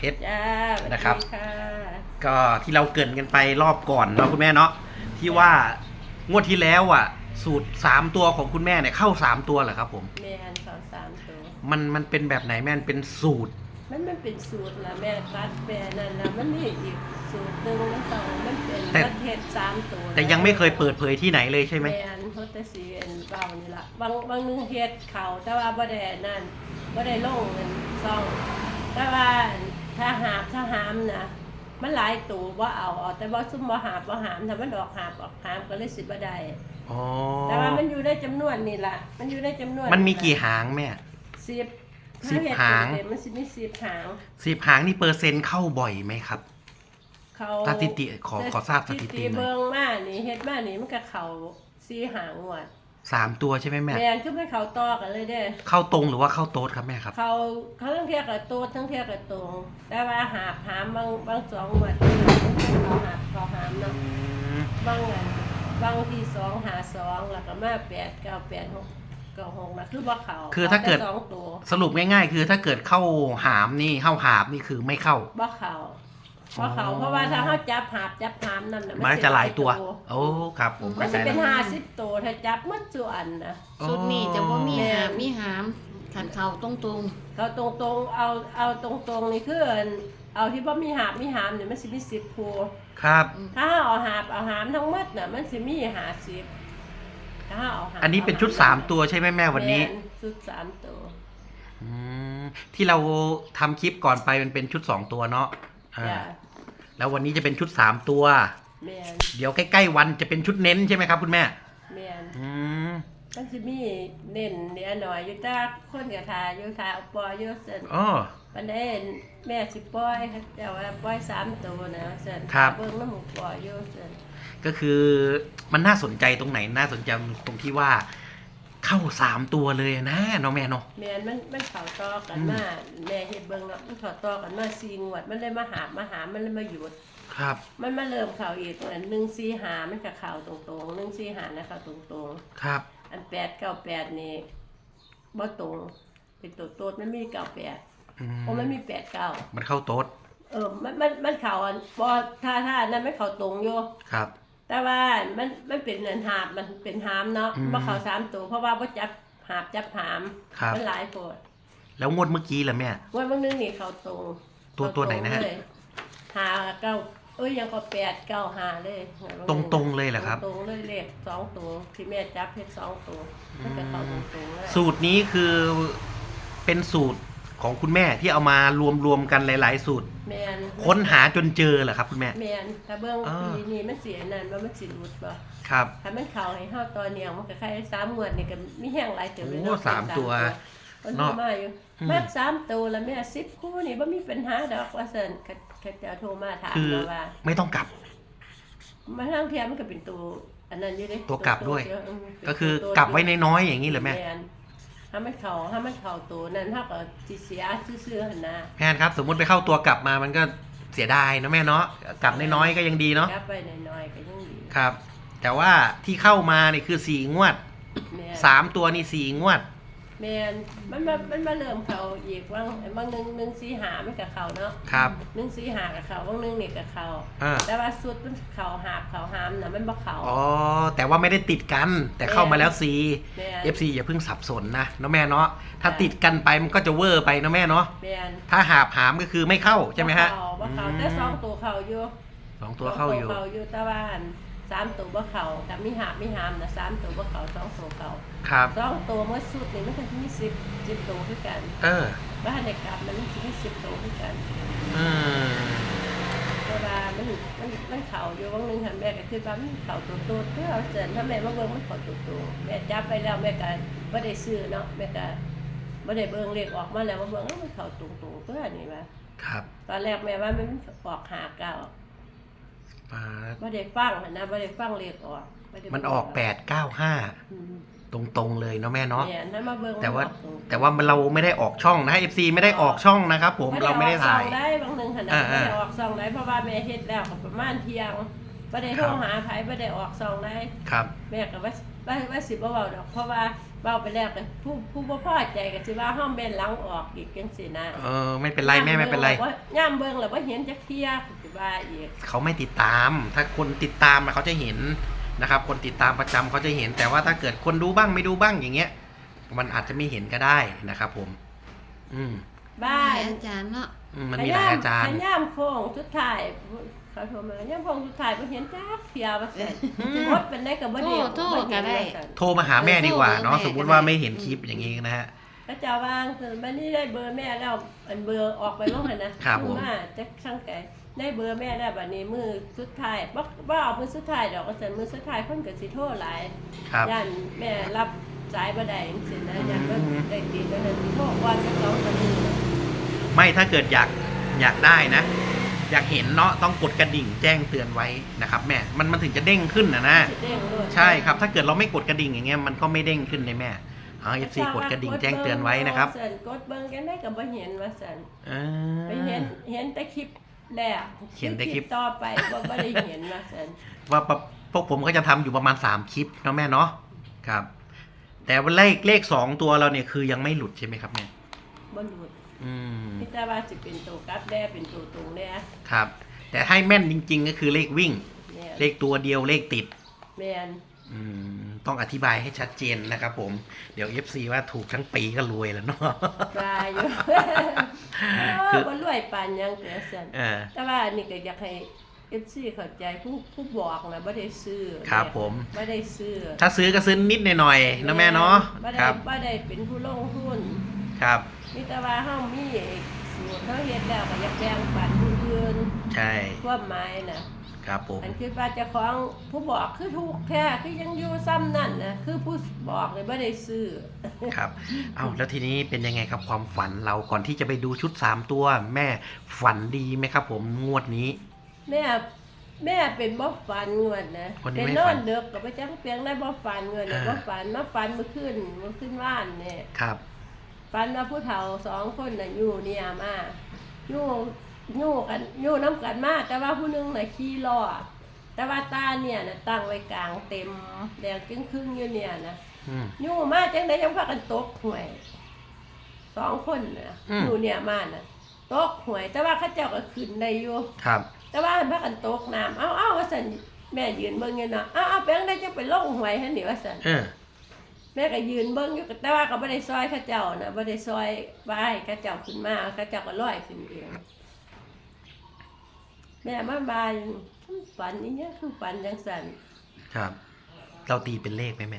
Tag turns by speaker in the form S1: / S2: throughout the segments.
S1: เพชร
S2: จ้า
S1: นะครับ
S2: สวัสดีค่ะ
S1: ก็ที่เราเกริ่นกันไปรอบก่อนเนาะคุณแม่เนาะที่ว่างวดที่แล้วอ่ะ สูตร3ตัวของคุณแม่เนี่ยเข้า3ตัวเหรอครับผม
S2: แม่นเขา3 ตัว
S1: มันเป็นแบบไหนแม่เป็นสูตร
S2: มันเป็นสูตรละแม่ตัดแปรนั่นละมันมีอีกสูตรหนึ่งมันเป็นประเทศ3 ตัว
S1: แต่ยังไม่เคยเปิดเผยที่ไหนเลยใช่ไหม
S2: แม่นเขาแต่สีเบานี่ละบางนึงเฮ็ดเขาแต่ว่าบ่ได้นั่นบ่ได้ลงเงินซองแต่ว่าถ้าหามนะมันหลายตัวบ่เอาแต่ว่าซุ่มบ่หามถ้ามันออกหามก็เลยสิบ่ได้
S1: อ๋อ
S2: แต่ว่ามันอยู่ในจำนวนนี่ล่ะมันอยู่ในจำนวน
S1: มันมีกี่หางแม่
S2: 10หางมันสิมี10 หาง
S1: 10 หางนี่เปอร์เซ็นต์เข้าบ่อยไหมครับ
S2: เขา
S1: สถิติขอทราบสถิติหน่อย
S2: เบิ่งมานี่เฮ็ดมานี่มันก็เข้า4 หางงวด
S1: 3 ตัวใช่ไหมแม่
S2: แม่นคือมันเข้าต่อกันเลยเด้
S1: เข้าตรงหรือว่าเข้าโต๊ดครับแม่ครับ
S2: เขาทั้งเที่ยกับโตทั้งเที่ยกับตรงแต่ว่าหามบาง2 งวดเขาหามเนาะบางที่2 หา 2แล้วก็มา8 9 8 6 9 6นะคือบ่เข้า
S1: คือถ้าเกิดสรุปง่ายๆคือถ้าเกิดเข้าหามนี่เข้าหาบนี่คือไม่เข้า
S2: บ่เข้าเพราะว่าถ้าเขาจับหามนั่นน่ะ
S1: มันจะหลายตัวโอ้ครับผม
S2: มันจะเป็น50 ตัวถ้าจับหมดส่วนนะ
S3: สุดนี้จะบ่มีหามขันเข่าตรง
S2: เขาตรงๆเอาตรงๆนี่คือเอาที่บ่มีหามเนี่ยมันสิมี10คู่
S1: ครับ
S2: ถ้าเอาหามทั้งหมดน่ะมันสิมี50ถ้าเอาหาม
S1: อันนี้เป็นชุด3ตัวใช่ไหมแม่วันนี้
S2: ชุด3ตัว
S1: ที่เราทำคลิปก่อนไปมันเป็นชุด2ตัวเนาะแล้ววันนี้จะเป็นชุด3ตัวเดี๋ยวใกล้ๆวันจะเป็นชุดเน้นใช่ไหมครับคุณแม่
S2: มันจะมีเน้นเนี่ยหน่อยอยู่ตาคนกับทาอยู่ทาเอาปล่อยอยู่เส้นวันนี้แม่สิปล่อยแต่ว่าปล่อย3 ตัวนะเส้นเบิ่งน้ำหมูปล่อยอยู่เส้น
S1: ก็คือมันน่าสนใจตรงไหนน่าสนใจตรงที่ว่าเข้า3 ตัวเลยนะน้องแม่เนาะ
S2: แม่มันเข้าต่อกันมาแม่เฮ็ดเบิ่งเนาะมันเข้าต่อกันมา4 งวดมันเลยมาหามมันเลยมาหยุด
S1: ครับ
S2: มันมาเริ่มเข้าอีกอัน145มันก็เข้าตรงๆ145นะเข้าตรงๆ
S1: ครับ
S2: อัน898นี่บ่ตรงเป็นตัวโต๊ดมันมี98เพราะมันมี89
S1: มันเข้าโต๊ด
S2: มันเข้าอันบ่ถ้านั้นไม่เข้าตรงอยู่
S1: ครับ
S2: แต่ว่ามันเป็นอันหาบมันเป็นหามเนาะบ่เข้า3 ตัวเพราะว่าบ่จับหามมันหลายโพด
S1: แล้วงวดเมื่อกี้ล่ะแม่
S2: งวดเมื่อนึงนี่เข้าตรง
S1: ตัวไหนนะฮะ
S2: 5 9ยังก็8 9 5เลย
S1: ตรงเลยเหรอครับ
S2: ตรงเลยเลข2 ตัวที่แม่จับเฮ็ด2 ตัวมันก็เข้าตรงๆเลย
S1: สูตรนี้คือเป็นสูตรของคุณแม่ที่เอามารวมกันหลายๆสูตร
S2: แม่น
S1: ค้นหาจนเจอเหรอครับคุณแม่
S2: แม่นถ้าเบิ่งปีนี้มันเสียนั่นมันสิหลุดบ่
S1: ครับ
S2: ถ้ามันเข้าให้เฮาตอนเนียมันก็คล้าย3 งวดนี่ก็มีแห้งหลายเติบเลย
S1: เนาะ3 ตัว
S2: เนาะมาอยู่มา3 ตัวแล้วแม่10 คู่นี่บ่มีปัญหาดอกว่าซั่นเขาจะโทรมาถามว่า
S1: ไม่ต้องกลับ
S2: มาทางเทียมมันก็เป็นตัวอันนั้นอยู่เด้
S1: ตัวกลับด้วยก็คือกลับไว้น้อยๆอย่างนี้เหรอแม่
S2: ถ้ามันเข้าตัวนั้นเฮาก็สิเสียซื่อๆหั่นนะ
S1: แม่ครับสมมุติไปเข้าตัวกลับมามันก็เสียดายนะแม่เนาะกลับน้อยๆก็ยังดีเนาะ
S2: กลับไปน้อยๆก็ยังดี
S1: ครับแต่ว่าที่เข้ามานี่คือ4 งวด3 ตัวนี่4 งวด
S2: แม่นมันมาเริ่มเข้าอีกบางนึง145มันก็เข้าเนาะ
S1: ครับ
S2: 145ก็เข้าบางนึงนี่ก็เข้าแต่ว่าสุดมันเข้าหามน่ะมันบ่เข้า
S1: อ๋อแต่ว่าไม่ได้ติดกันแต่เข้ามาแล้ว4 FC อย่าเพิ่งสับสนนะเนาะแม่เนาะถ้าติดกันไปมันก็จะเวอร์ไปเนาะแม่เนาะถ้าหามก็คือไม่เข้าใช่ไหมฮะ
S2: บ่เข้าแต่2 ตัวเข้าอยู่
S1: 2 ตัวเข้าอยู่
S2: แต่ว่า3 ตัวบ่เข้ากับมีหามนะ3 ตัวบ่เข้า2 ตัวเข้า
S1: ครับ
S2: 2 ตัวเมื่อสุดนี่มันก็มี10 ตัวคือกันบ้านในกลับมันมี10 ตัวคือกันแต่ว่ามันเข้าอยู่บางนึงหันแม่ก็คือว่ามันเข้าตัวเพื่อเสร็จถ้าแม่มาเบิ่งมันเข้าตัวแม่จับไปแล้วแม่ก็บ่ได้ซื้อเนาะแม่ก็บ่ได้เบิ่งเลขออกมาแล้วมาเบิ่งมันเข้าตรงๆตัวนี้ว่า
S1: ครับ
S2: ตอนแรกแม่ว่ามันออก59บ่ได้ฟังนะบ่ได้ฟังเลขออก
S1: มันออก895ตรงๆเลยเนาะแม่เนาะแต่ว่าเราไม่ได้ออกช่องนะ FC ไม่ได้ออกช่องนะครับผมเราไม่ได้ถ่าย
S2: ได้บางนึงหั่นน่ะไม่ได้ออกช่องได้เพราะว่าแม่เฮ็ดแล้วก็ประมาณเที่ยงบ่ได้โทรหาไผบ่ได้ออกช่องได้
S1: ครับ
S2: แม่ก็ว่าสิบ่เว้าดอกเพราะว่าเว้าไปแล้วก็ผู้บ่พอใจก็สิว่าเฮาแม่นหลังออกอีกจังซี่นะ
S1: ไม่เป็นไรแม่ไม่เป็นไร
S2: ย่ามเบิ่งแล้วบ่เห็นจักเที่ยสิว่าอีก
S1: เขาไม่ติดตาม ถ้าคนติดตามอะเขาจะเห็นนะครับ คนติดตามประจำเขาจะเห็น แต่ว่าถ้าเกิดคนดูบ้างไม่ดูบ้างอย่างเงี้ย มันอาจจะไม่เห็นก็ได้นะครับผม
S2: บ้าน
S3: อาจารย์เนาะ
S1: มันมีหลายอาจารย์
S2: ย่ามโค้งสุดท้ายเขาโทรมาย่ามโค้งสุดท้ายบ่เห็นจักเที่ยว่าซั่นรถเป็นได้ก็บ่ได้
S3: โทรก็ได้
S1: โทรมาหาแม่ดีกว่าเนาะสมมุติว่าไม่เห็นคลิปอย่างนี้นะฮะ
S2: ก็จะวางคือบัดนี้ได้เบอร์แม่แล้วอันเบอร์ออกไปลงหั่นนะครับ
S1: ผม
S2: มาจักช่างไก่ได้เบอร์แม่แล้วบัดนี้มือสุดท้ายบ่เอามือสุดท้ายดอกก็ซั่นมือสุดท้ายเพิ่นก็สิโทรหลาย
S1: ครับ
S2: ย่านแม่รับสายบ่ได้จังซี่นะย่านบ่ได้ติดแล้วนั่นโทรก่อนจัก2 นาที
S1: ไม่ถ้าเกิดอยากได้นะ อยากเห็นเนาะต้องกดกระดิ่งแจ้งเตือนไว้นะครับแม่มันถึงจะเด้งขึ้นนะ
S2: สิเด้งเลย
S1: ใช่ครับถ้าเกิดเราไม่กดกระดิ่งอย่างเงี้ยมันก็ไม่เด้งขึ้นเลยแม่FC กดกระดิ่งแจ้งเตือนไว้นะครับ
S2: ซั่นกดเบิ่งกันได้ก็บ่เห็นว่าซั่น
S1: อ่า
S2: ไปเห็นแต่คลิปแรก
S1: เห็นแต่คลิป
S2: ต่อไปบ่ได้เห็นว่าซั่น
S1: ว่าพวกผมก็จะทำอยู่ประมาณ3คลิปเนาะแม่เนาะครับ แต่ว่าเลข2ตัวเราเนี่ยคือยังไม่หลุดใช่ไหมครับแม่
S2: บ่หลุด
S1: อืม
S2: พี่แต่ว่าสิเป็นตัวกลับแด้เป็นตัวตรงแด้
S1: ครับ แต่ให้แม่นจริง ๆ ก็คือเลขวิ่ง
S2: แม่น
S1: เลขตัวเดียวเลขติด
S2: แม่น
S1: ต้องอธิบายให้ชัดเจนนะครับผมเดี๋ยว FC ว่าถูกทั้งปีก็รวยแล้วเนาะ
S2: ปลาอยู่
S1: คือ
S2: บ่รวยปานหยังเด้อซั่น
S1: เออ
S2: แต่ว่าอันนี้ก็อยากให้ FC เข้าใจผู้บอกนะบ่ได้ซื้อ
S1: ครับผม
S2: บ่ได้ซื้อ
S1: ถ้าซื้อก็ซื้อนิดหน่อยๆนะแม่เนาะ
S2: บ่ได้
S1: ครับ
S2: บ่ได้เป็นผู้ลงทุน
S1: ครับ
S2: มีแต่ว่าเฮามีสูตรเฮาเฮ็ดแล้วก็อยากแบ่งปันผู้อื่น
S1: ใช่
S2: ความหมายน่ะ
S1: ครับผม
S2: อันคิดว่าเจ้าของผู้บอกคือถูกแท้คือยังอยู่ซ้ำนั่นนะคือผู้บอกเลยไม่ได้ซื้อ
S1: ครับเอาแล้วทีนี้เป็นยังไงครับความฝันเราก่อนที่จะไปดูชุด3ตัว แม่ฝันดีไหมครับผมงวดนี้
S2: แม่เป็นบ่ฝันงวดนะ
S1: วันนี้
S2: เป็น
S1: ไม่
S2: น
S1: ฝั
S2: อน นเด็กก็ไปจังเปียงได้บ่ฝันงวดเนี่ย
S1: อ่า
S2: บ่ฝันมาฝันเมื่อคืนว่านเนี่ย
S1: ครับ
S2: ฝันว่าผู้เฒ่า2 คนน่ะอยู่เนี่ยมาอยู่กันอยู่น้ำกันมาแต่ว่าผู้หนึงน่ะขี่ล้อแต่ว่าตาเนี่ยน่ะตั้งไว้กลางเต็มแดงครึ่งๆอยู่เนี่ยนะ
S1: อืม
S2: อยู่มาจังได้ยังพากันตกหวย2 คนน่ะ
S1: อืม
S2: อยู่เนี่ยมาน่ะตกหวย แต่ว่าเขาเจ้าก็ขึ้นได้อยู่
S1: ครับ
S2: แต่ว่าพากันตกน้ำเอาว่าซั่นแม่ยืนเบิ่งอยู่เนาะเอาแปลงได้จังไปลงหวยหั่นนี่ว่าซั่น
S1: เออ
S2: แม่ก็ยืนเบิ่งอยู่แต่ว่าก็บ่ได้ซอยเขาเจ้านะบ่ได้ซอยบ่ให้เขาเจ้าขึ้นมาเขาเจ้าก็ลอยขึ้นเองแม่มาบายฝันอีหยังคือฝันจังซั่น
S1: ครับ เราตีเป็นเลขไหมแม่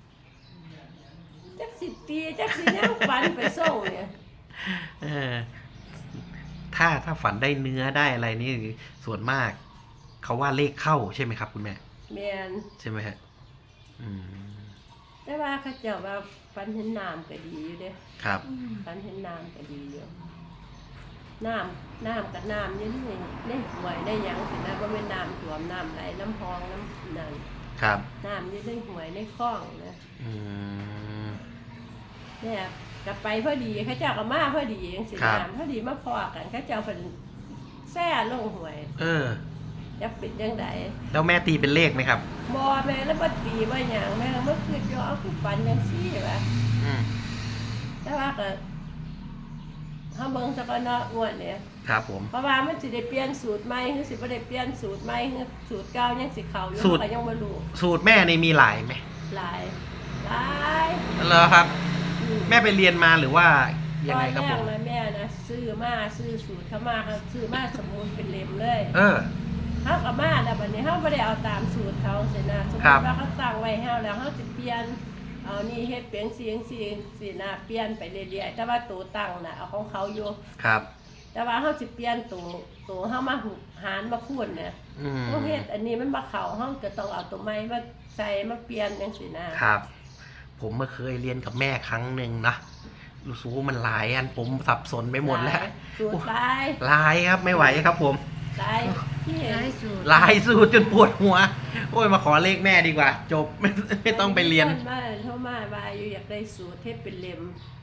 S2: จักสิตีจักสิหยังฝันไปส่งเนี่ย
S1: เออถ้าฝันได้เนื้อได้อะไรนี่ส่วนมาก เขาว่าเลขเข้าใช่ไหมครับคุณแม่
S2: แม่น
S1: ใช่ไหมฮะอืม
S2: แต่ว่าเขาเจ้าว่าฝันเห็นน้ำก็ดีอยู่เด้
S1: ครับ
S2: ฝันเห็นน้ำก็ดีอยู่น้ำกับน้ำนี่ในห่วยในหยังสินะบ่แม่นน้ำท่วมน้ำไหลน้ำพองน้ำนั่น
S1: ครับ
S2: น้ำอยู่ในห่วยในคลองนะ
S1: อืม
S2: เนี่ยกลับไปพอดีเขาเจ้าก็มาพอดีจังซี่
S1: ครับ
S2: น้ำพอดีมาพอกันเขาเจ้าเพิ่นแซ่ลงห่วย
S1: เออ
S2: จะปิดจังได
S1: แล้วแม่ตีเป็นเลขไหมครับ
S2: บ่แม่แล้วบ่ตีบ่หยังแม่ก็บ่คิดอยู่เอาคือฝันจังซี่ว่า
S1: อืม
S2: แต่ว่าก็เฮาเบิ่งซะก่อนเนาะงวดเนี่ย
S1: ครับผม
S2: เพราะว่ามันสิได้เปลี่ยนสูตรใหม่หรือสิบ่ได้เปลี่ยนสูตรใหม่หรือสูตรเก่ายังสิเข้าอยู่
S1: สูตร
S2: ก็ยังบ่รู้
S1: สูตรแม่ในมีหลายไหม
S2: หลาย
S1: เหรอครับ
S2: อืม
S1: แม่ไปเรียนมาหรือว่ายังไงครับ
S2: ต
S1: ผ
S2: อน
S1: ม
S2: แรกนะแม่นะซื้อสูตรเข้ามาเขาซื้อมาสมุนเป็นเล่มเลย
S1: เออ
S2: เฮากับมาแล้วบัดนี้เฮาบ่ได้เอาตามสูตรเขาสินะสมมุ
S1: ครับ
S2: ติว่าเขาตั้งไว้เฮาแล้วเฮาสิเปลี่ยนเอานี่เฮ็ดเป็นเสียงสินะเปลี่ยนไปเรื่อยๆแต่ว่าตัวตั้งน่ะเอาของเขาอยู่
S1: ครับ
S2: แต่ว่าเฮาสิเปลี่ยนตัวเฮามาหารมาคูณเนี่ย
S1: อืม
S2: เฮาเฮ็ดอันนี้มันบ่เข้าเฮาก็ต้องเอาตัวใหม่มาใส่มาเปลี่ยนจังซี่นะครับ
S1: ผมเมื่อเคยเรียนกับแม่ครั้งหนึ่งนะรู้สึกว่ามันหลายอันผมสับสนไปหมดแล้ว
S2: สูตรหลาย
S1: หลายครับไม่ไหวครับผม
S2: หลายที่เห็น
S3: หลายสูตร
S1: หลายสูตรจนปวดหัว โอ้ยมาขอเลขแม่ดีกว่า จบ ไม่ต้องไปเรียน
S2: มาโทรมาว่าอยู่อยากได้สูตรเฮ็ดเป็นเล่ม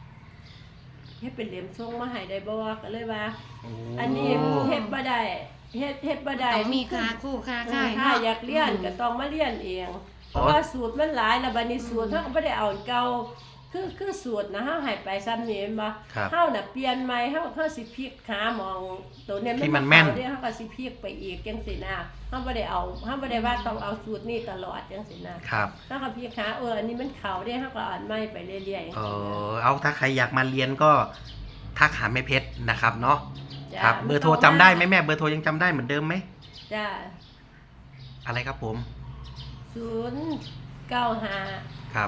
S2: ส่งมาให้ได้บ่ก็เลยว่า อันนี้เฮ็ดบ่ได้เฮ็ดบ่ได้
S3: ต้องมีค่าคู่ค่าค่าย
S2: ถ้า
S3: เนาะ
S2: อยากเรียนก็ต้องมาเรียนเอง เพราะว่าสูตรมันหลายแล้วบัดนี้สูตรเฮาก็บ่ได้เอาเก่าคือสูตรนะเฮาให้ไปซ้ำนี้แม่นบ่
S1: ครับ
S2: เฮาน่ะเปลี่ยนใหม่เฮาสิพลิกหาหมองตัวเนี้
S1: ที่มันแม่น
S2: เด้เฮาก็สิพลิกไปอีกจังซี่นะเฮาบ่ได้ว่าต้องเอาสูตรนี้ตลอดจังซี่นะครับ เฮาก็พลิกหาอันนี้มันเข้าเด้เฮาก็อ่านใหม่ไปเรื่อยๆ
S1: เอาถ้าใครอยากมาเรียนก็ทักหาแม่เพชรนะครับเนาะ
S2: จ้ะ
S1: ครับเบอร์โทรจำได้ไหมแม่เบอร์โทรยังจำได้เหมือนเดิมไหม
S2: จ้า
S1: อะไรครับผม
S2: 095
S1: ครับ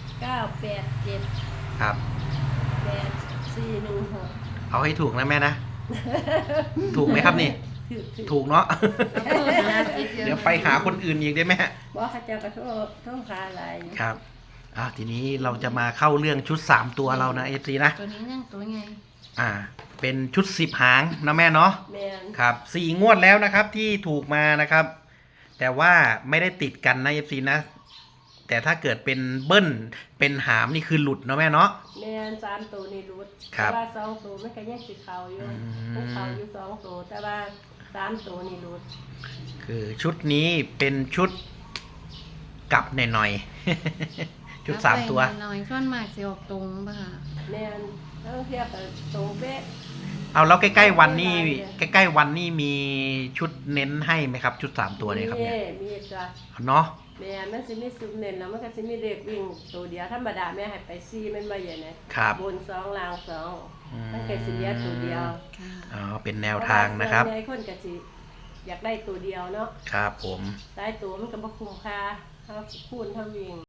S2: 987
S1: ครับ
S2: 8416
S1: เอาให้ถูกนะแม่นะ ถูกไหมครับนี่ ถูกเนาะ เดี๋ยวไปหาคนอื่นอีกได้ไหม
S2: บ่เขาเจ้าก็โทษหาหลายอยู่
S1: ครับทีนี้เราจะมาเข้าเรื่องชุด3ตัวเรานะFC นะ
S3: ตัวนี้นั่งตัวไง
S1: เป็นชุด10หางนะแม่เนาะ
S2: แม่น
S1: ครับ4งวดแล้วนะครับที่ถูกมานะครับ แต่ว่าไม่ได้ติดกันนะ FC นะ แต่ถ้าเกิดเป็นเบิ้ลเป็นหามนี่คือหลุดเนาะแม่เนาะ
S2: แม่น3ตัวนี่รุด
S1: ครับ
S2: แต่ว่า2ตัวมันก็ยังสิเข้าอยู่
S1: อืม
S2: มันเข้าอยู่2ตัวแต่ว่า3ตัวนี่รุด
S1: คือชุดนี้เป็นชุดกลับหน่อยๆ ชุด3ตัว
S3: หน่อยส่วนมากสิออกตรงป่ะค่ะ
S2: แม่นแล้วเทียบกับตรงเป๊ะ
S1: เอาแล้วใกล้ๆวันนี้ใกล้ๆวันนี้มีชุดเน้นให้ไหมครับ ชุด3ตัวเนี่ยครับเนี่ย
S2: มีจ้ะ
S1: เนาะ
S2: แม่มันสิมีซุมเน้นแล้วมันก็สิมีเด็กวิ่งตัวเดียวธรรมดาแม่ให้ไป4มันบ่ใหญ่นะครับ บน2ล่าง2มันก็สิเหลือตัวเดียว
S3: ค่ะ
S1: เป็นแนวทางนะครับ
S2: ส่วนใหญ่คนก็สิอยากได้ตัวเดียวเนาะ
S1: ครับผม
S2: ได้ตัวมันก็บ่คุ้มค่าเฮาคูณเฮาวิ่ง